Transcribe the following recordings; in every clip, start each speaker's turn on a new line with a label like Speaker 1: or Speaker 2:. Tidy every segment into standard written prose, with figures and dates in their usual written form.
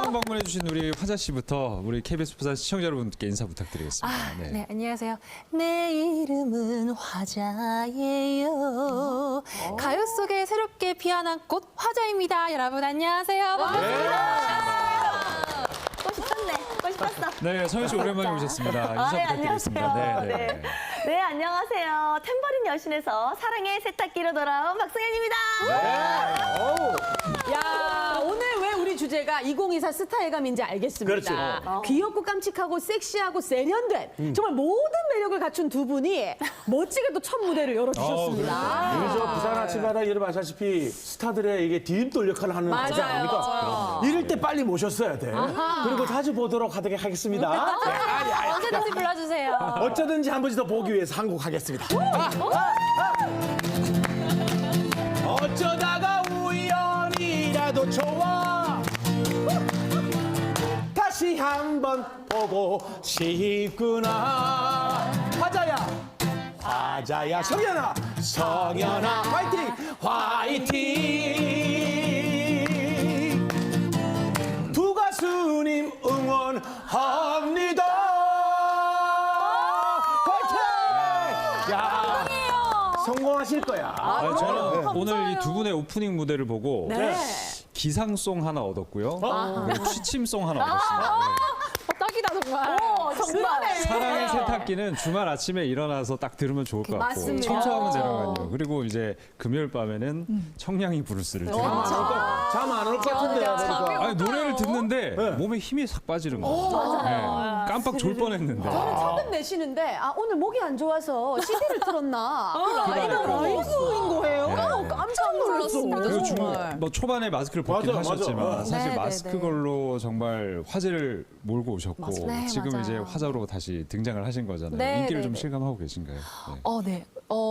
Speaker 1: 처음 방문해주신 우리 화자 씨부터 우리 KBS 부산 시청자 여러분께 인사 부탁드리겠습니다.
Speaker 2: 네, 안녕하세요. 내 이름은 화자예요. 가요 속에 새롭게 피어난 꽃 화자입니다. 여러분 안녕하세요. 반갑습니다.
Speaker 3: 멋있었네. 멋있었어.
Speaker 1: 네, 서현 씨 오랜만에 오셨습니다. 인사 부탁드리겠습니다.
Speaker 3: 안녕하세요. 네, 안녕하세요. 탬버린 여신에서 사랑의 세탁기로 돌아온 박승현입니다.
Speaker 4: 야, 오늘 왜 우리 주제가 2024 스타의 감인지 알겠습니다.
Speaker 3: 그렇죠.
Speaker 4: 귀엽고 깜찍하고 섹시하고 세련된 정말 모든 매력을 갖춘 두 분이 멋지게 또 첫 무대를 열어주셨습니다.
Speaker 5: 우리 저 부산 아침마다 여러분 아시다시피 스타들의 이게 디딤돌 역할을 하는 거지 아닙니까?
Speaker 4: 맞아요.
Speaker 5: 이럴 때 빨리 모셨어야 돼. 그리고 자주 보도록 하겠습니다.
Speaker 2: 언제든지 불러주세요.
Speaker 5: 어쩌든지 한 번씩 더 보기 위해서 한 곡 하겠습니다. 어쩌다가 우연이라도 좋아 다시 한번 보고 싶구나. 화자야 성현아 화이팅 두 가수님 응원합니다. 화이팅! 야, 성공하실 거야.
Speaker 1: 저는 오늘 이 두 분의 오프닝 무대를 보고
Speaker 4: 네.
Speaker 1: 기상송 하나 얻었고요. 그리고 취침송 하나 얻었습니다.
Speaker 2: 딱이다 정말.
Speaker 4: 정말.
Speaker 1: 사랑의 세탁기는 주말 아침에 일어나서 딱 들으면 좋을 것 같고
Speaker 4: 맞습니다.
Speaker 1: 청소하면 되는거요. 그리고 이제 금요일 밤에는 청량이 브루스를 들으면서
Speaker 5: 잠 안 올 것 같은데.
Speaker 1: 아니, 노래를 듣는데 몸에 힘이 싹 빠지는 거예요. 네, 깜빡 졸 뻔했는데.
Speaker 4: 저는 처음 내시는데 오늘 목이 안 좋아서 CD를 틀었나? 라이브인 거예요? 깜짝 놀랐습니다.
Speaker 1: 그리고
Speaker 4: 정말.
Speaker 1: 뭐 초반에 마스크를 벗긴
Speaker 5: 맞아,
Speaker 1: 하셨지만
Speaker 5: 맞아.
Speaker 1: 사실
Speaker 2: 네,
Speaker 1: 마스크
Speaker 2: 네, 네.
Speaker 1: 걸로 정말 화제를 몰고 오셨고
Speaker 2: 네,
Speaker 1: 지금
Speaker 2: 맞아요.
Speaker 1: 이제 화자로 다시 등장을 하신 거잖아요.
Speaker 2: 네,
Speaker 1: 인기를
Speaker 2: 네,
Speaker 1: 좀
Speaker 2: 네.
Speaker 1: 실감하고 계신가요? 네.
Speaker 2: 네.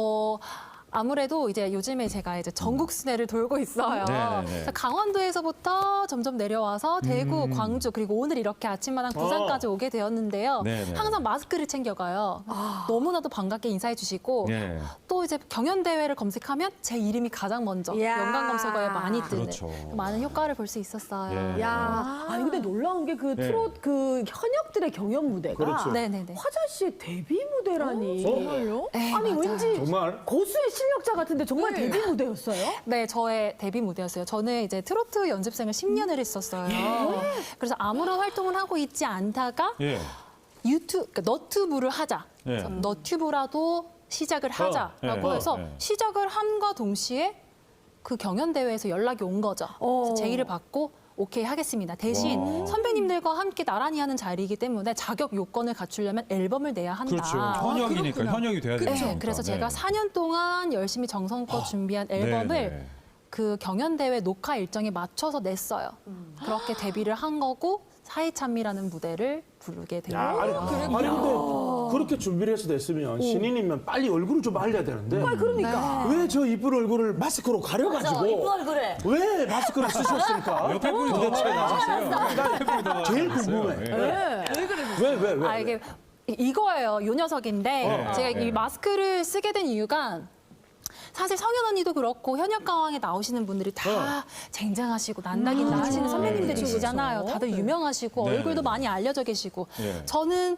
Speaker 2: 아무래도 이제 요즘에 제가 이제 전국 순회를 돌고 있어요.
Speaker 1: 네네네.
Speaker 2: 그래서 강원도에서부터 점점 내려와서 대구, 광주 그리고 오늘 이렇게 아침마당 부산까지 오게 되었는데요.
Speaker 1: 네네.
Speaker 2: 항상 마스크를 챙겨가요. 너무나도 반갑게 인사해 주시고
Speaker 1: 네.
Speaker 2: 또 이제 경연 대회를 검색하면 제 이름이 가장 먼저
Speaker 4: 이야.
Speaker 2: 연관 검색어에 많이 뜨는
Speaker 1: 그렇죠.
Speaker 2: 많은 효과를 볼 수 있었어요.
Speaker 1: 예.
Speaker 4: 야, 아니 근데 놀라운 게 그
Speaker 1: 네.
Speaker 4: 트롯 그 현역들의 경연 무대가
Speaker 5: 그렇죠.
Speaker 2: 네네네.
Speaker 4: 화자 씨의 데뷔 무대라니.
Speaker 5: 정말요?
Speaker 2: 네,
Speaker 4: 아니
Speaker 2: 맞아요.
Speaker 4: 왠지
Speaker 5: 정말?
Speaker 4: 고수의 실력자 같은데 정말 데뷔 무대였어요?
Speaker 2: 네, 저의 데뷔 무대였어요. 저는 이제 트로트 연습생을 10년을 했었어요. 그래서 아무런 활동을 하고 있지 않다가
Speaker 1: 예.
Speaker 2: 그러니까 너튜브를 하자.
Speaker 1: 예.
Speaker 2: 그래서 너튜브라도 시작을 하자라고
Speaker 1: 예.
Speaker 2: 해서 시작을 함과 동시에 그 경연 대회에서 연락이 온 거죠. 그래서 제의를 받고 오케이 하겠습니다. 대신 선배님들과 함께 나란히 하는 자리이기 때문에 자격 요건을 갖추려면 앨범을 내야 한다.
Speaker 1: 그렇죠. 현역이니까 현역이 돼야 되죠.
Speaker 2: 네, 그래서 제가 4년 동안 열심히 정성껏 준비한 앨범을
Speaker 1: 네네.
Speaker 2: 그 경연 대회 녹화 일정에 맞춰서 냈어요. 그렇게 데뷔를 한 거고 사이찬미라는 무대를 부르게 된
Speaker 5: 야,
Speaker 2: 거예요.
Speaker 5: 아니 근데 그렇게 준비를 해서 됐으면 신인이면 빨리 얼굴을 좀 알려야 되는데
Speaker 4: 그러니까.
Speaker 5: 왜 저 이쁜 얼굴을 마스크로 가려가지고
Speaker 3: 이쁜 얼굴에.
Speaker 5: 왜 마스크를 쓰셨습니까?
Speaker 1: 옆에 분이 더 차이 나셨어요. 옆에 분이 더
Speaker 5: 제일
Speaker 1: 나셨어요.
Speaker 5: 궁금해.
Speaker 1: 예.
Speaker 5: 왜?
Speaker 2: 아, 이게 이거예요. 요 녀석인데 제가 이 마스크를 쓰게 된 이유가 사실 성현 언니도 그렇고 현역 가왕에 나오시는 분들이 다 쟁쟁하시고 난다긴 나시는 선배님들이시잖아요. 다들 유명하시고
Speaker 1: 네,
Speaker 2: 얼굴도
Speaker 1: 네.
Speaker 2: 많이 알려져 계시고
Speaker 1: 네.
Speaker 2: 저는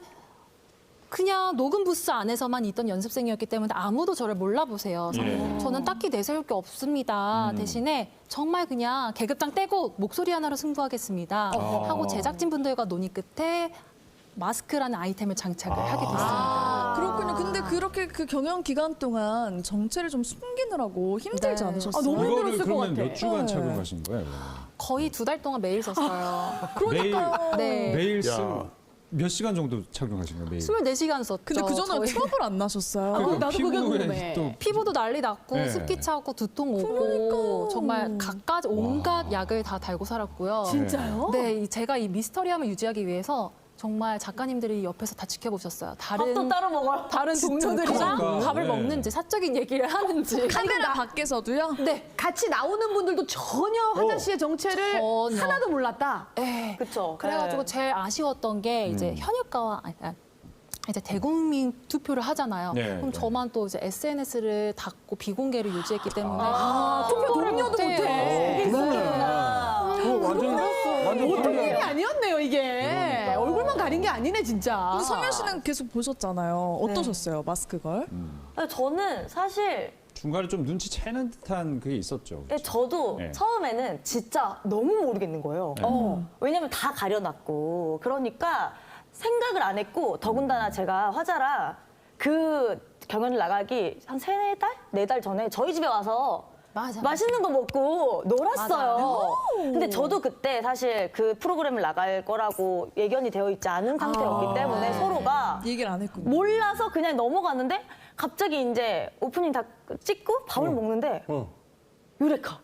Speaker 2: 그냥 녹음 부스 안에서만 있던 연습생이었기 때문에 아무도 저를 몰라보세요. 그래서
Speaker 1: 예.
Speaker 2: 저는 딱히 내세울 게 없습니다. 대신에 정말 그냥 계급장 떼고 목소리 하나로 승부하겠습니다. 하고 제작진분들과 논의 끝에 마스크라는 아이템을 장착을 하게 됐습니다.
Speaker 6: 그렇군요. 근데 그렇게 그 경연 기간 동안 정체를 좀 숨기느라고 힘들지
Speaker 2: 네.
Speaker 6: 않으셨어요?
Speaker 4: 너무
Speaker 1: 이거를
Speaker 4: 힘들었을 것
Speaker 1: 그러면
Speaker 4: 같아.
Speaker 1: 몇 주간 착용하신 거예요?
Speaker 2: 거의 2달 동안 매일 썼어요. 네.
Speaker 1: 매일 몇 시간 정도 착용하신 거예요? 매일?
Speaker 2: 24시간 썼죠.
Speaker 6: 근데 그 전에
Speaker 2: 저희.
Speaker 6: 트러블 안 나셨어요?
Speaker 1: 그러니까
Speaker 4: 나도 그게
Speaker 1: 피부에
Speaker 4: 궁금해.
Speaker 1: 또
Speaker 2: 피부도 난리 났고
Speaker 1: 네.
Speaker 2: 습기 차고 두통 오고 정말 갖가지 온갖 약을 다 달고 살았고요.
Speaker 4: 진짜요?
Speaker 2: 네, 제가 이 미스터리함을 유지하기 위해서 정말 작가님들이 옆에서 다 지켜보셨어요.
Speaker 3: 밥도 따로 먹어요.
Speaker 2: 다른 동료들이랑
Speaker 1: 그러니까.
Speaker 2: 밥을
Speaker 1: 네.
Speaker 2: 먹는지 사적인 얘기를 하는지.
Speaker 6: 카메라 밖에서도요?
Speaker 2: 네.
Speaker 4: 같이 나오는 분들도 전혀 화자 씨의 정체를
Speaker 2: 전혀.
Speaker 4: 하나도 몰랐다.
Speaker 2: 네.
Speaker 3: 그쵸.
Speaker 2: 그래가지고 제일 아쉬웠던 게 이제 현역가와 이제 대국민 투표를 하잖아요.
Speaker 1: 네,
Speaker 2: 그럼
Speaker 1: 네.
Speaker 2: 저만 또 이제 SNS를 닫고 비공개를 유지했기 때문에
Speaker 4: 투표 동료도 못해.
Speaker 5: 그거 완전
Speaker 4: 보통
Speaker 5: 훌륭해.
Speaker 4: 일이 아니었네요, 이게. 얼굴만 가린 게 아니네, 진짜.
Speaker 6: 근데 성현 씨는 계속 보셨잖아요. 어떠셨어요, 마스크걸?
Speaker 3: 저는 사실
Speaker 1: 중간에 좀 눈치채는 듯한 그게 있었죠.
Speaker 3: 저도
Speaker 1: 네.
Speaker 3: 처음에는 진짜 너무 모르겠는 거예요. 왜냐면 다 가려놨고 그러니까 생각을 안 했고 더군다나 제가 화자라 그 경연을 나가기 한 4달 전에 저희 집에 와서
Speaker 2: 맞아.
Speaker 3: 맛있는 거 먹고 놀았어요. 근데 저도 그때 사실 그 프로그램을 나갈 거라고 예견이 되어 있지 않은 상태였기 때문에 서로가
Speaker 6: 얘기를 안 했군요.
Speaker 3: 몰라서 그냥 넘어갔는데 갑자기 이제 오프닝 다 찍고 밥을 먹는데 유레카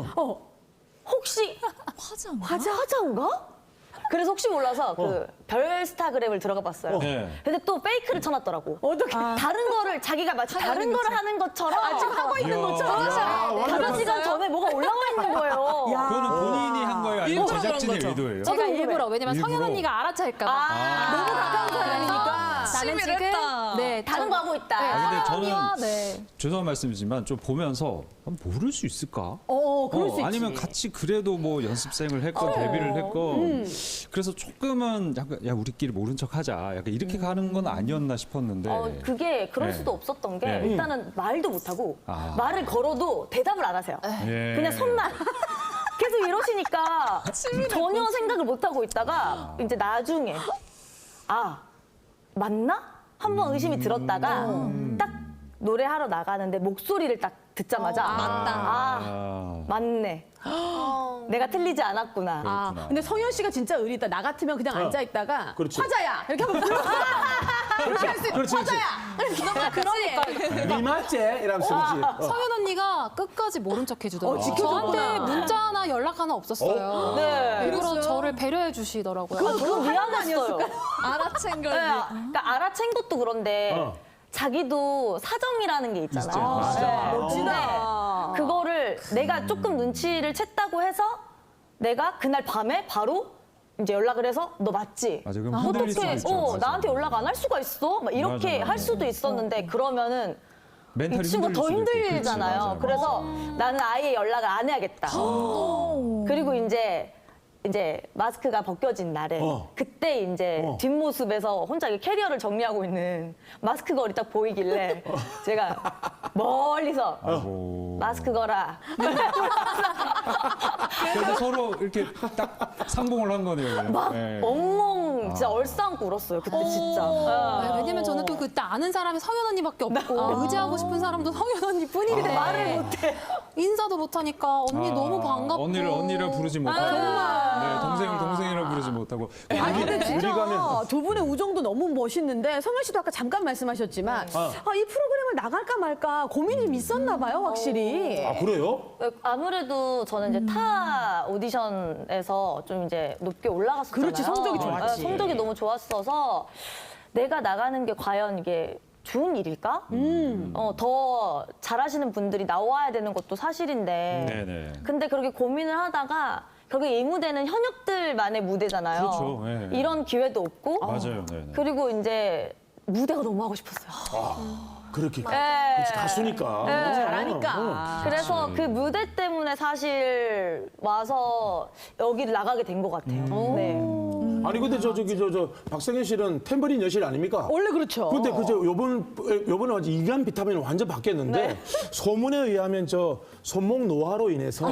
Speaker 3: 혹시 화자인가? 그래서 혹시 몰라서 그 별스타그램을 들어가 봤어요.
Speaker 1: 네.
Speaker 3: 근데 또 페이크를 쳐놨더라고. 어떻게? 다른 거를 자기가 마치 다른 거를 하는 것처럼 지금 하고 있는
Speaker 1: 이야.
Speaker 3: 것처럼 5시간 전에 뭐가 올라와 있는 거예요.
Speaker 1: 그거는 본인이 한 거예요? 아니면
Speaker 6: 일부러
Speaker 1: 제작진의
Speaker 6: 그런 거죠.
Speaker 1: 의도예요?
Speaker 2: 제가 일부러 왜냐면
Speaker 1: 일부러.
Speaker 2: 성현 언니가 알아챌까 봐.
Speaker 3: 너무 가까운 사람이니까.
Speaker 2: 나는
Speaker 6: 시비를
Speaker 2: 지금
Speaker 6: 했다.
Speaker 2: 네,
Speaker 3: 다른 거 하고 있다.
Speaker 1: 근데 저는
Speaker 2: 언니와 네.
Speaker 1: 죄송한 말씀이지만 좀 보면서 모를 수 있을까?
Speaker 4: 그럴 수 있지.
Speaker 1: 아니면 같이 그래도 뭐 연습생을 했건 데뷔를 했건 그래서 조금은 약간 야 우리끼리 모른 척하자 약간 이렇게 가는 건 아니었나 싶었는데
Speaker 3: 그게 그럴
Speaker 1: 네.
Speaker 3: 수도 없었던 게
Speaker 1: 네.
Speaker 3: 일단은 말도 못하고
Speaker 1: 아.
Speaker 3: 말을 걸어도 대답을 안 하세요.
Speaker 1: 예.
Speaker 3: 그냥 손만 계속 이러시니까 전혀 생각을 못 하고 있다가 이제 나중에 맞나? 한번 의심이 들었다가 딱 노래하러 나가는데 목소리를 딱 듣자마자
Speaker 1: 아.
Speaker 3: 맞네. 내가 틀리지 않았구나.
Speaker 1: 그렇구나.
Speaker 4: 근데 성현 씨가 진짜 의리다. 나 같으면 그냥 앉아있다가
Speaker 5: 그렇지.
Speaker 4: 화자야! 이렇게 한번 불러. 이렇게 할 수 있어.
Speaker 5: 그렇지, 그렇지.
Speaker 4: 화자야!
Speaker 2: 그러니까
Speaker 5: 니 맞지? 이러면서 그렇지.
Speaker 2: 성현 언니가 끝까지 모른 척 해주더라고요.
Speaker 4: 지켜줬구나.
Speaker 2: 저한테 문자 하나 연락 하나 없었어요.
Speaker 3: 네.
Speaker 2: 일부러 저를 배려해 주시더라고요.
Speaker 3: 그거 미안했어요.
Speaker 6: 알아챈 걸.
Speaker 3: 네, 그러니까 알아챈 것도 그런데 자기도 사정이라는 게 있잖아요.
Speaker 1: 맞아.
Speaker 3: 멋지다. 그거를 내가 조금 눈치를 챘다고 해서 내가 그날 밤에 바로 이제 연락을 해서 너 맞지?
Speaker 1: 맞아, 그럼 흔들릴
Speaker 3: 어떻게
Speaker 1: 수도 있죠. 맞아.
Speaker 3: 나한테 연락 안 할 수가 있어? 막 이렇게
Speaker 1: 맞아.
Speaker 3: 할 수도 있었는데 그러면은 이
Speaker 1: 멘탈이
Speaker 3: 친구가 더
Speaker 1: 흔들릴 수도 있고.
Speaker 3: 힘들잖아요.
Speaker 1: 그렇지, 맞아요.
Speaker 3: 그래서 나는 아예 연락을 안 해야겠다. 그리고 이제 마스크가 벗겨진 날에 그때 이제 뒷모습에서 혼자 이렇게 캐리어를 정리하고 있는 마스크 걸이 딱 보이길래 제가 멀리서
Speaker 1: 아이고.
Speaker 3: 마스크 걸아.
Speaker 1: 그래서 서로 이렇게 딱 상봉을 한 거네요.
Speaker 3: 막
Speaker 1: 네.
Speaker 3: 엉엉 진짜 얼싸안고 울었어요. 그때 진짜.
Speaker 2: 네, 왜냐면 저는 또 그때 아는 사람이 성현 언니밖에 없고 의지하고 싶은 사람도 성현 언니뿐인데
Speaker 3: 말을 못해.
Speaker 2: 인사도 못하니까 언니 너무 반갑고
Speaker 1: 언니를 부르지 못하고 네, 동생을 동생이라 부르지 못하고
Speaker 4: 아니 근데 진짜
Speaker 5: 우리 가면-
Speaker 4: 두 분의 우정도 너무 멋있는데 성현 씨도 아까 잠깐 말씀하셨지만 이 프로그램을 나갈까 말까 고민이 좀 있었나 봐요, 확실히.
Speaker 5: 아, 그래요?
Speaker 3: 아무래도 저는 이제 타 오디션에서 좀 이제 높게 올라갔었잖아요.
Speaker 4: 그렇지, 성적이 좋았지.
Speaker 3: 네, 성적이 너무 좋았어서 내가 나가는 게 과연 이게 좋은 일일까? 더 잘하시는 분들이 나와야 되는 것도 사실인데.
Speaker 1: 네네.
Speaker 3: 근데 그렇게 고민을 하다가 결국에 이 무대는 현역들만의 무대잖아요.
Speaker 1: 그렇죠. 네.
Speaker 3: 이런 기회도 없고.
Speaker 1: 맞아요. 네네.
Speaker 3: 그리고 이제 무대가 너무 하고 싶었어요.
Speaker 5: 그렇게.
Speaker 3: 네.
Speaker 5: 그렇지, 가수니까.
Speaker 4: 잘하니까.
Speaker 3: 그래서 그 무대 때문에 사실 와서 여기를 나가게 된 것 같아요. 네.
Speaker 5: 아니 근데 저 박성현 씨는 탬버린 여실 아닙니까?
Speaker 4: 원래 그렇죠.
Speaker 5: 근데 그저 요번에 완전 이간 비타민을 완전 바뀌었는데 소문에 의하면 저 손목 노화로 인해서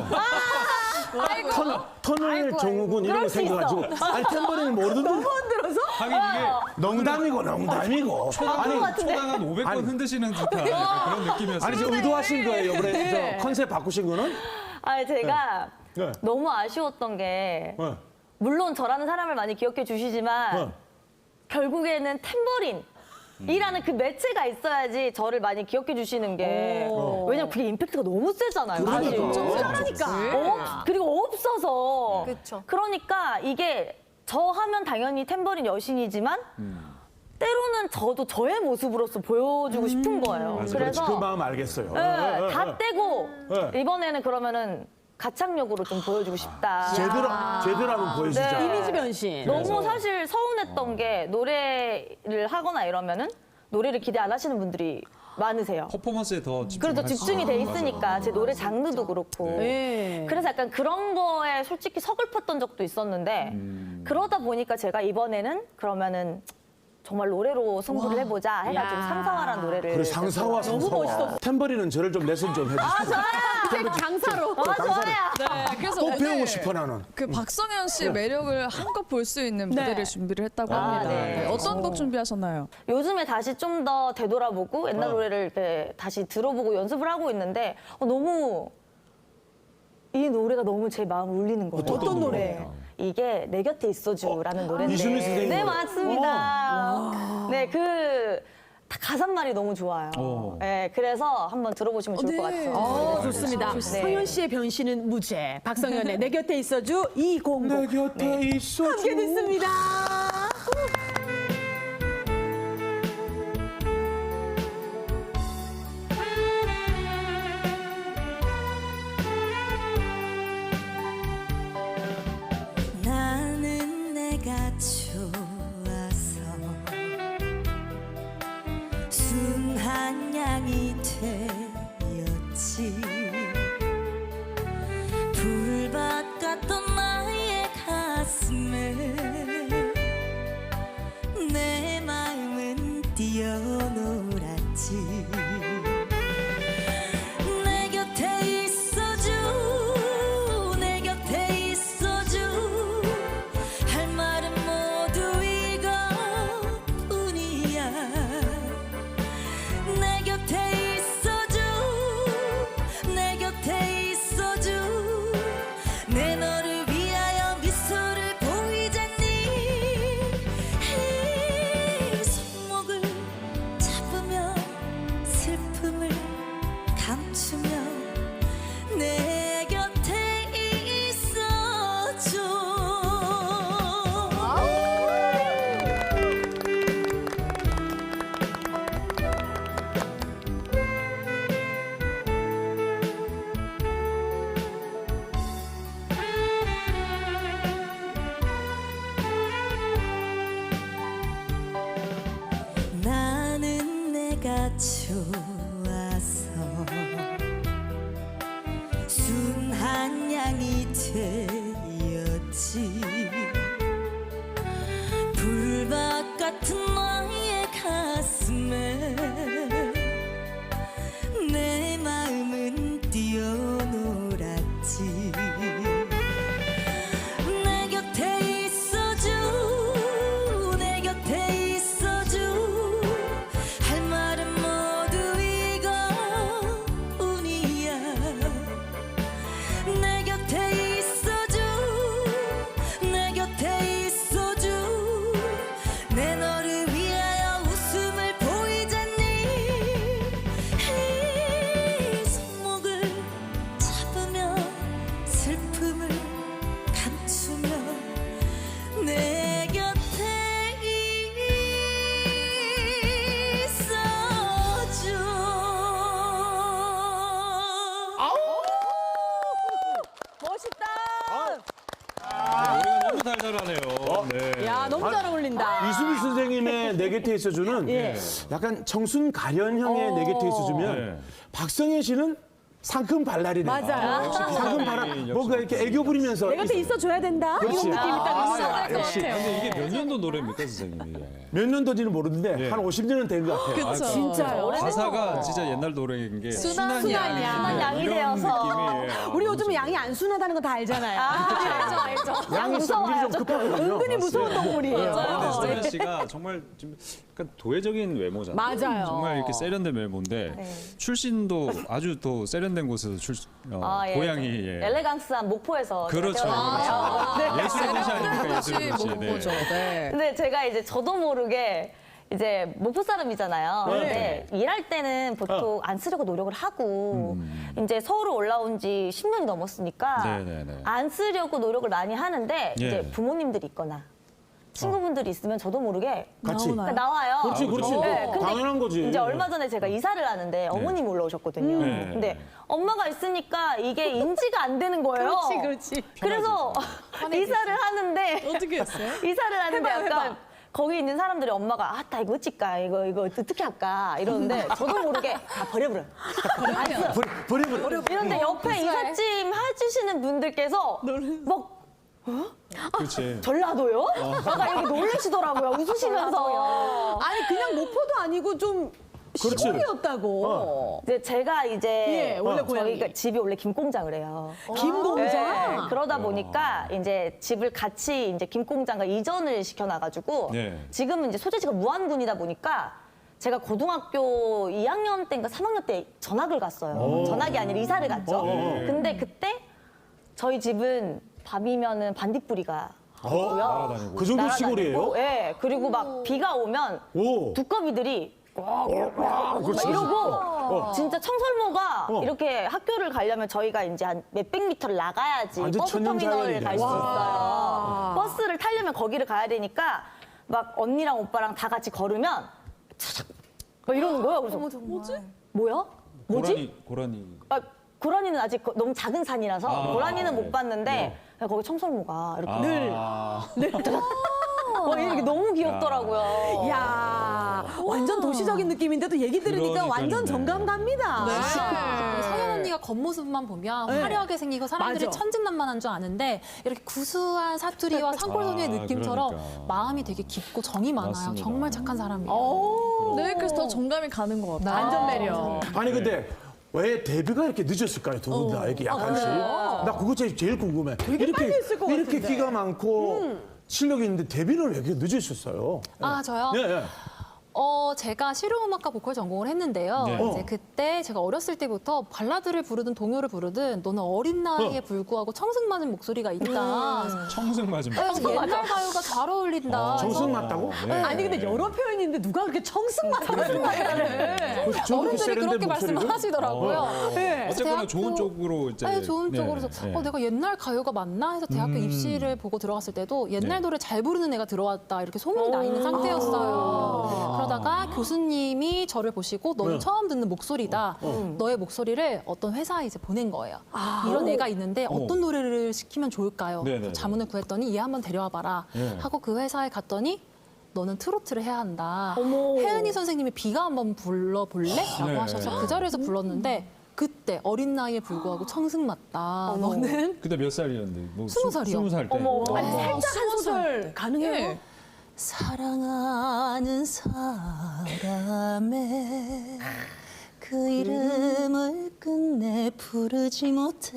Speaker 5: 터널 증후군 이런 거
Speaker 3: 그럴 수
Speaker 5: 생겨가지고 아니 탬버린을 모르던데
Speaker 1: 하긴 이게
Speaker 5: 농담이고
Speaker 3: 아닌 것 같은데.
Speaker 1: 초당 한 500번
Speaker 5: 아니.
Speaker 1: 흔드시는 듯한 그런 느낌이었어요.
Speaker 5: 아니 지금 의도하신 거예요 이번에 저 컨셉 바꾸신 거는?
Speaker 3: 아니 제가
Speaker 5: 네.
Speaker 3: 너무 아쉬웠던 게
Speaker 5: 네.
Speaker 3: 물론 저라는 사람을 많이 기억해 주시지만
Speaker 5: 네.
Speaker 3: 결국에는 탬버린이라는 그 매체가 있어야지 저를 많이 기억해 주시는 게 왜냐면 그게 임팩트가 너무 세잖아요. 사실.
Speaker 4: 잘하니까.
Speaker 3: 그리고 없어서.
Speaker 2: 그쵸.
Speaker 3: 그러니까 이게 저 하면 당연히 탬버린 여신이지만 때로는 저도 저의 모습으로서 보여주고 싶은 거예요.
Speaker 5: 그렇지,
Speaker 3: 그래서
Speaker 5: 그 마음 알겠어요.
Speaker 3: 네, 다 떼고
Speaker 5: 네.
Speaker 3: 이번에는 그러면은 가창력으로 좀 보여주고 싶다.
Speaker 5: 제대로 한번 보여주자.
Speaker 3: 네.
Speaker 4: 이미지 변신.
Speaker 3: 너무 사실 서운했던 게 노래를 하거나 이러면은 노래를 기대 안 하시는 분들이 많으세요.
Speaker 1: 퍼포먼스에 더
Speaker 3: 그래도 집중이 돼 있으니까 제 노래 장르도 그렇고.
Speaker 4: 네.
Speaker 3: 그래서 약간 그런 거에 솔직히 서글펐던 적도 있었는데 그러다 보니까 제가 이번에는 그러면은 정말 노래로 승부를 해보자 해가지고
Speaker 4: 야.
Speaker 3: 상사화라는 노래를.
Speaker 5: 그래 상사와 상사와. 탬버리는 저를 좀 레슨 좀 해주세요.
Speaker 4: 장사로.
Speaker 3: 좋아요.
Speaker 6: 네, 그래서
Speaker 5: 꼭
Speaker 6: 오늘
Speaker 5: 배우고 싶어 나는.
Speaker 6: 그 박성현 씨의 매력을 한껏 볼 수 있는 무대를 준비를 했다고 합니다.
Speaker 3: 네.
Speaker 6: 네, 어떤 곡 준비하셨나요?
Speaker 3: 요즘에 다시 좀 더 되돌아보고 옛날 노래를 이렇게 다시 들어보고 연습을 하고 있는데 너무 이 노래가 너무 제 마음을 울리는 거예요.
Speaker 5: 어떤 노래?
Speaker 3: 이게 내 곁에 있어줘라는 노래인데.
Speaker 5: 이수미 선생님
Speaker 3: 네,
Speaker 5: 노래.
Speaker 3: 맞습니다. 네, 다 가사말이 너무 좋아요. 네, 그래서 한번 들어보시면 좋을 것 같아요.
Speaker 4: 좋습니다.
Speaker 3: 네.
Speaker 4: 성현 씨의 변신은 무죄. 박성현의 내 곁에 있어줘 200.
Speaker 5: 내 곁에 있어줘.
Speaker 4: 함께 듣습니다.
Speaker 7: 나는 내가 좋아서 순한 양이 되었지 불밭 같던 나의 가슴에 내 마음은 뛰어놀았지 내 곁에 있어줘 내 곁에 있어줘 할 말은 모두 이것뿐이야 내 곁에 있어줘 내 곁에 있어줘 내 너를 위하여 미소를 보이잖니 이 손목을 잡으며 슬픔을 감추며 내 곁에 있어줘 나는 내가 좋아서 순한 양이 되었지 불밭 같은 너의 가슴에 내 마음은 뛰어놀았지 내 곁에 있어줘 내 곁에 있어줘 할 말은 모두 이것뿐이야 내 곁에 있어줘 내 곁에 있어줘 내 너를 위하여 웃음을 보이잖니 이 손목을 잡으며 슬픔을 감추며 내 곁에 있어줘
Speaker 4: 멋있다.
Speaker 1: 노래가 너무 달달하네요. 네.
Speaker 4: 야, 너무 잘 어울린다.
Speaker 5: 이수미 선생님의 내 곁에 있어주는 약간 청순 가련형의 내 곁에 있어주면
Speaker 1: 네.
Speaker 5: 박성현 씨는 상큼 발랄이네.
Speaker 4: 맞아요.
Speaker 5: 상큼 발랄. 뭔가 이렇게 애교 부리면서.
Speaker 4: 내 곁에 있어줘야 된다. 이런
Speaker 5: 그렇지.
Speaker 4: 느낌이 딱 있어.
Speaker 5: 역시.
Speaker 1: 근데 이게 몇 년도 노래입니까, 선생님이?
Speaker 5: 몇 년도지는 모르는데 한 50년은 된 것 같아요.
Speaker 6: 그쵸.
Speaker 4: 진짜요.
Speaker 1: 가사가 진짜 옛날 노래인 게
Speaker 6: 순한
Speaker 1: 순한
Speaker 6: 양.
Speaker 1: 양.
Speaker 3: 순한 양이
Speaker 1: 이런
Speaker 3: 되어서.
Speaker 1: 느낌이에요.
Speaker 4: 우리 요즘 양이 안 순하다는 거 다 알잖아요.
Speaker 3: 알죠.
Speaker 5: 양이 성질이 좀 급하거든요.
Speaker 4: 은근히 무서운 동물이에요.
Speaker 1: 근데 성현 씨가 정말 좀 약간 도회적인 외모잖아요.
Speaker 4: 맞아요.
Speaker 1: 정말 이렇게 세련된 외모인데 출신도 아주 또 세련된 곳에서
Speaker 3: 예.
Speaker 1: 고향이
Speaker 3: 엘레강스한 목포에서 제가
Speaker 1: 그렇죠.
Speaker 3: 태어났는데요.
Speaker 1: 예술의 도시 아닙니까, 예술의 도시.
Speaker 6: 뭐죠? 네.
Speaker 3: 근데 제가 이제 저도 모르게 이제 목포 사람이잖아요. 근데 일할 때는 보통 안 쓰려고 노력을 하고 이제 서울에 올라온 지 10년이 넘었으니까
Speaker 1: 네네네.
Speaker 3: 안 쓰려고 노력을 많이 하는데
Speaker 1: 예.
Speaker 3: 이제 부모님들이 있거나 친구분들이 있으면 저도 모르게
Speaker 5: 같이.
Speaker 3: 그러니까 나와요.
Speaker 5: 그렇지, 그렇지.
Speaker 3: 네, 근데
Speaker 5: 당연한 거지.
Speaker 3: 이제 얼마 전에 제가 이사를 하는데 어머님이 올라오셨거든요.
Speaker 1: 네.
Speaker 3: 근데 엄마가 있으니까 이게 인지가 안 되는 거예요.
Speaker 4: 그렇지.
Speaker 3: 그래서 이사를 하는데
Speaker 6: 어떻게 했어요?
Speaker 3: 이사를 하는데 약간 거기 있는 사람들이 엄마가 나 이거 어찌까 이거 어떻게 할까 이러는데 저도 모르게 버려버려.
Speaker 5: 버려.
Speaker 3: 이런데 옆에 이삿짐 해주시는 분들께서 막
Speaker 1: 그렇지.
Speaker 3: 전라도요? 약간 이렇게 놀라시더라고요. 웃으시면서.
Speaker 4: 아니 그냥 목포도 아니고 좀
Speaker 5: 그렇지.
Speaker 4: 시골이었다고.
Speaker 3: 이제 제가
Speaker 4: 예, 원래 고향이.
Speaker 3: 저희가 집이 원래 김공장을 해요.
Speaker 4: 김공장.
Speaker 3: 네, 그러다 보니까 이제 집을 같이 이제 김공장과 이전을 시켜놔가지고
Speaker 1: 네.
Speaker 3: 지금은 이제 소재지가 무안군이다 보니까 제가 고등학교 2학년 때인가 3학년 때 전학을 갔어요. 전학이 아니라 이사를 갔죠. 근데 그때 저희 집은 밤이면은 반딧불이가 하고요.
Speaker 5: 그 정도 시골이에요?
Speaker 3: 네, 그리고 막 비가 오면
Speaker 5: 오.
Speaker 3: 두꺼비들이 막 이러고 진짜 청설모가 이렇게 학교를 가려면 저희가 이제 한 몇백 미터를 나가야지
Speaker 5: 완전
Speaker 3: 버스 터미널을
Speaker 5: 천연자연이네.
Speaker 3: 갈 수 있어요. 버스를 타려면 거기를 가야 되니까 막 언니랑 오빠랑 다 같이 걸으면 차작 막 이러는 거예요. 그래서 뭐지? 뭐야? 뭐지?
Speaker 1: 고라니.
Speaker 3: 고라니는 아직 너무 작은 산이라서 고라니는 못 봤는데 거기 청설모가 이렇게 늘 이렇게 너무 귀엽더라고요.
Speaker 4: 야 완전 도시적인 느낌인데도 얘기 들으니까
Speaker 1: 그러니까요.
Speaker 4: 완전 정감 갑니다.
Speaker 2: 이 성현 언니가 겉모습만 보면 화려하게 생기고 사람들이
Speaker 4: 맞아.
Speaker 2: 천진난만한 줄 아는데 이렇게 구수한 사투리와 산골소녀의 느낌처럼
Speaker 1: 그러니까.
Speaker 2: 마음이 되게 깊고 정이 많아요.
Speaker 1: 맞습니다.
Speaker 2: 정말 착한 사람이에요.
Speaker 6: 네, 그래서 더 정감이 가는 것 같아요.
Speaker 4: 완전 매력.
Speaker 5: 아니 근데 왜 데뷔가 이렇게 늦었을까요? 두 분 다 이렇게 약간씩. 나 그거 제일 궁금해. 이렇게
Speaker 4: 빨리 했을 것
Speaker 5: 이렇게
Speaker 4: 같은데.
Speaker 5: 끼가 많고 실력이 있는데 데뷔를 왜 이렇게 늦으셨어요?
Speaker 2: 아, 저요?
Speaker 5: 예, 예.
Speaker 2: 제가 실용음악과 보컬 전공을 했는데요.
Speaker 1: 네.
Speaker 2: 이제 그때 제가 어렸을 때부터 발라드를 부르든 동요를 부르든 너는 어린 나이에 불구하고 청승맞은 목소리가 있다.
Speaker 1: 청승 맞은.
Speaker 2: 그래서 옛날 가요가 잘 어울린다.
Speaker 5: 정승 맞다고?
Speaker 1: 네.
Speaker 4: 아니 근데 여러 표현이 있는데 누가 그렇게 청승맞다는 말을
Speaker 2: 어른들이 그렇게 말씀하시더라고요.
Speaker 4: 네.
Speaker 1: 어쨌거나
Speaker 2: 대학교-
Speaker 1: 좋은 쪽으로 이제.
Speaker 2: 아니, 좋은
Speaker 1: 네,
Speaker 2: 쪽으로 해서
Speaker 1: 네.
Speaker 2: 내가 옛날 가요가 맞나 해서 대학교 입시를 보고 들어갔을 때도 옛날
Speaker 1: 네.
Speaker 2: 노래 잘 부르는 애가 들어왔다 이렇게 소문이 나 있는 상태였어요. 그러다가 교수님이 저를 보시고 너는 처음 듣는 목소리다. 너의 목소리를 어떤 회사에 이제 보낸 거예요. 이런 애가 있는데 어떤 노래를 시키면 좋을까요?
Speaker 1: 네네네.
Speaker 2: 그래서 자문을 구했더니 얘 한번 데려와 봐라.
Speaker 1: 네.
Speaker 2: 하고 그 회사에 갔더니 너는 트로트를 해야 한다. 혜은이 선생님이 비가 한번 불러볼래? 라고
Speaker 1: 네.
Speaker 2: 하셔서 그 자리에서 불렀는데 그때 어린 나이에 불구하고 청승 맞다. 너는
Speaker 1: 그때 몇 살이었는데? 뭐
Speaker 2: 20살이요.
Speaker 1: 20살 때.
Speaker 4: 아니 살짝 한 소절 가능해요?
Speaker 6: 예.
Speaker 7: 사랑하는 사람의 그 이름을 끝내 부르지 못해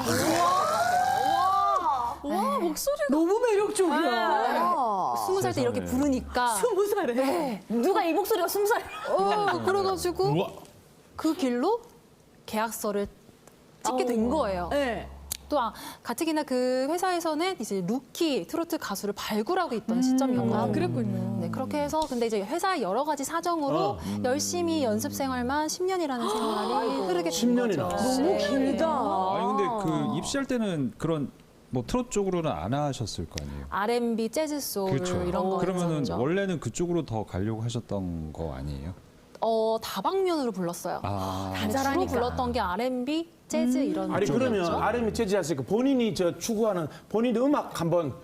Speaker 6: 와, 목소리가.
Speaker 4: 너무 매력적이야.
Speaker 2: 20살 때 이렇게
Speaker 1: 세상에.
Speaker 2: 부르니까
Speaker 4: 20살에.
Speaker 3: 누가 이 목소리가 20살?
Speaker 2: 그래가지고
Speaker 1: 우와.
Speaker 2: 그 길로 계약서를 찍게 된 거예요.
Speaker 4: 네.
Speaker 2: 또 가뜩이나 그 회사에서는 이제 루키 트로트 가수를 발굴하고 있던 시점이었거든요.
Speaker 6: 아, 그랬군요.
Speaker 2: 네, 그렇게 해서 근데 이제 회사의 여러 가지 사정으로 열심히 연습 생활만 10년이라는 생활이 흐르게 된
Speaker 5: 10년이나.
Speaker 2: 거죠.
Speaker 4: 너무 길다.
Speaker 1: 아니 근데 그 입시할 때는 그런 뭐 트롯 쪽으로는 안 하셨을 거 아니에요?
Speaker 2: R&B, 재즈, 소울
Speaker 1: 그렇죠.
Speaker 2: 이런 거
Speaker 1: 그러면은
Speaker 2: 있었죠.
Speaker 1: 원래는 그쪽으로 더 가려고 하셨던 거 아니에요?
Speaker 2: 다방면으로 불렀어요.
Speaker 1: 아.
Speaker 2: 주로 불렀던 게 R&B, 재즈 이런
Speaker 5: 아니 그러면
Speaker 2: 쪽이었죠.
Speaker 5: RM 재즈 하시니까 본인이 추구하는 본인 음악 한번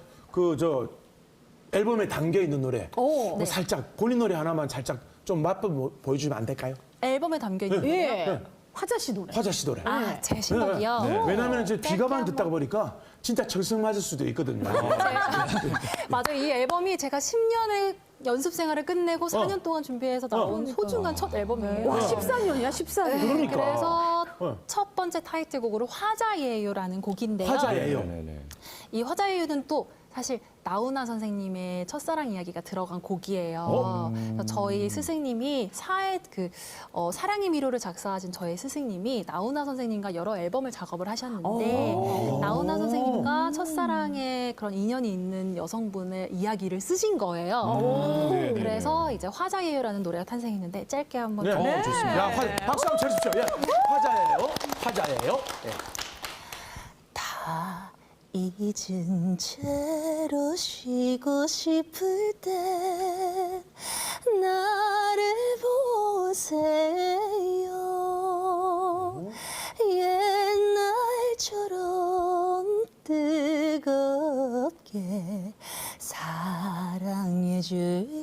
Speaker 5: 앨범에 담겨 있는 노래 뭐
Speaker 2: 네.
Speaker 5: 살짝 본인 노래 하나만 살짝 좀 맛보 보여주면 안 될까요?
Speaker 2: 앨범에 담겨 있는
Speaker 4: 예. 화자 씨 노래.
Speaker 5: 화자 씨 노래.
Speaker 2: 제 신곡이요.
Speaker 1: 네.
Speaker 5: 왜냐하면 이제 비가만 듣다가 보니까 진짜 정성 맞을 수도 있거든요.
Speaker 2: 맞아요. 이 앨범이 제가 10년의 연습 생활을 끝내고 4년 동안 준비해서 나온 소중한 첫 앨범이에요.
Speaker 4: 와 14년이야 14년.
Speaker 5: 그러니까.
Speaker 2: 그래서 첫 번째 타이틀곡으로 화자예요라는 곡인데요.
Speaker 5: 화자예요.
Speaker 1: 네네.
Speaker 2: 이 화자예요는 또 사실 나훈아 선생님의 첫사랑 이야기가 들어간 곡이에요. 그래서 저희 스승님이 사랑의 미로를 작사하신 저희 스승님이 나훈아 선생님과 여러 앨범을 작업을 하셨는데 나훈아 선생님과 첫사랑의 그런 인연이 있는 여성분의 이야기를 쓰신 거예요.
Speaker 1: 네, 네,
Speaker 2: 그래서 이제 화자예요라는 노래가 탄생했는데 짧게 한번
Speaker 5: 네.
Speaker 2: 들어볼게요.
Speaker 1: 좋습니다.
Speaker 5: 야, 박수 한번 쳐주십시오. 예. 화자예요. 화자예요. 예.
Speaker 7: 다 잊은 채로 쉬고 싶을 때 나를 보세요 옛날처럼 뜨겁게 사랑해줘 잊을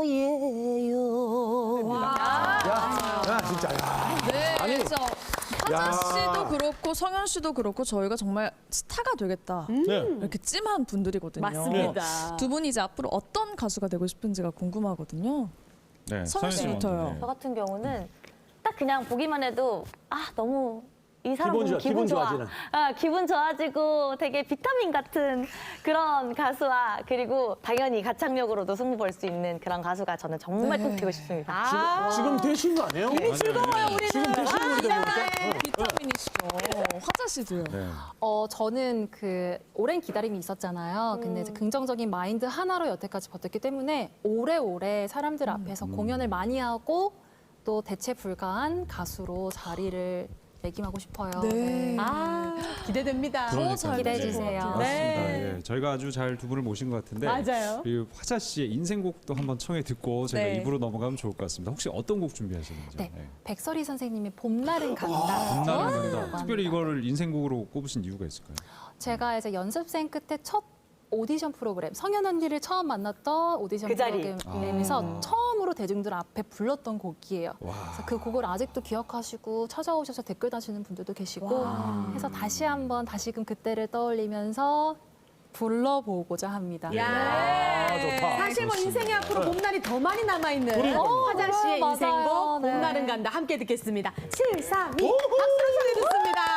Speaker 7: 거예요.
Speaker 5: 야, 진짜, 야.
Speaker 6: 네,
Speaker 5: 아니,
Speaker 6: 그래서
Speaker 5: 야.
Speaker 6: 화자 씨도 그렇고 성현 씨도 그렇고 저희가 정말 스타가 되겠다.
Speaker 5: 네.
Speaker 6: 이렇게 찜한 분들이거든요.
Speaker 4: 맞습니다.
Speaker 6: 두 분이 이제 앞으로 어떤 가수가 되고 싶은지가 궁금하거든요.
Speaker 1: 네,
Speaker 6: 성현 씨부터요.
Speaker 1: 먼저,
Speaker 3: 저 같은 경우는 딱 그냥 보기만 해도 너무 이 사람 보면
Speaker 5: 기분
Speaker 3: 좋아.
Speaker 5: 좋아지는.
Speaker 3: 기분 좋아지고 되게 비타민 같은 그런 가수와 그리고 당연히 가창력으로도 승부 볼 수 있는 그런 가수가 저는 정말 꼭 되고 싶습니다.
Speaker 5: 지금 되신 거 아니에요? 이미
Speaker 4: 즐거워요 우리는.
Speaker 5: 지금 되신 분들 보니까.
Speaker 6: 비타민이시죠. 화자 씨도요.
Speaker 1: 네.
Speaker 2: 저는 그 오랜 기다림이 있었잖아요. 근데 이제 긍정적인 마인드 하나로 여태까지 버텼기 때문에 오래오래 사람들 앞에서 공연을 많이 하고 또 대체 불가한 가수로 자리를 매김하고 싶어요.
Speaker 6: 네.
Speaker 4: 기대됩니다.
Speaker 6: 더 잘
Speaker 2: 기대해
Speaker 6: 되실 것
Speaker 2: 주세요.
Speaker 6: 같아요.
Speaker 1: 맞습니다. 예, 저희가 아주 잘 두 분을 모신 것 같은데
Speaker 4: 맞아요.
Speaker 1: 그리고 화자 씨의 인생곡도 한번 청해 듣고 저희가
Speaker 6: 네.
Speaker 1: 입으로 넘어가면 좋을 것 같습니다. 혹시 어떤 곡 준비하셨는지?
Speaker 2: 네, 백설이 선생님의 봄날은 간다.
Speaker 1: 봄날은 간다.
Speaker 2: 아,
Speaker 1: 특별히 이거를 인생곡으로 꼽으신 이유가 있을까요?
Speaker 2: 제가 이제 연습생 끝에 첫 오디션 프로그램 성현 언니를 처음 만났던 오디션
Speaker 3: 그 자리.
Speaker 2: 프로그램에서 처음으로 대중들 앞에 불렀던 곡이에요. 그래서 그 곡을 아직도 기억하시고 찾아오셔서 댓글 다시는 분들도 계시고 해서 다시 한번 다시금 그때를 떠올리면서 불러보고자 합니다.
Speaker 4: 야,
Speaker 5: 좋다.
Speaker 4: 사실 뭐 인생의 앞으로 봄날이 더 많이 남아있는 화자 씨의
Speaker 2: 맞아요.
Speaker 4: 인생곡
Speaker 2: 네.
Speaker 4: 봄날은 간다 함께 듣겠습니다. 7, 3, 2 박수로 청해 듣습니다.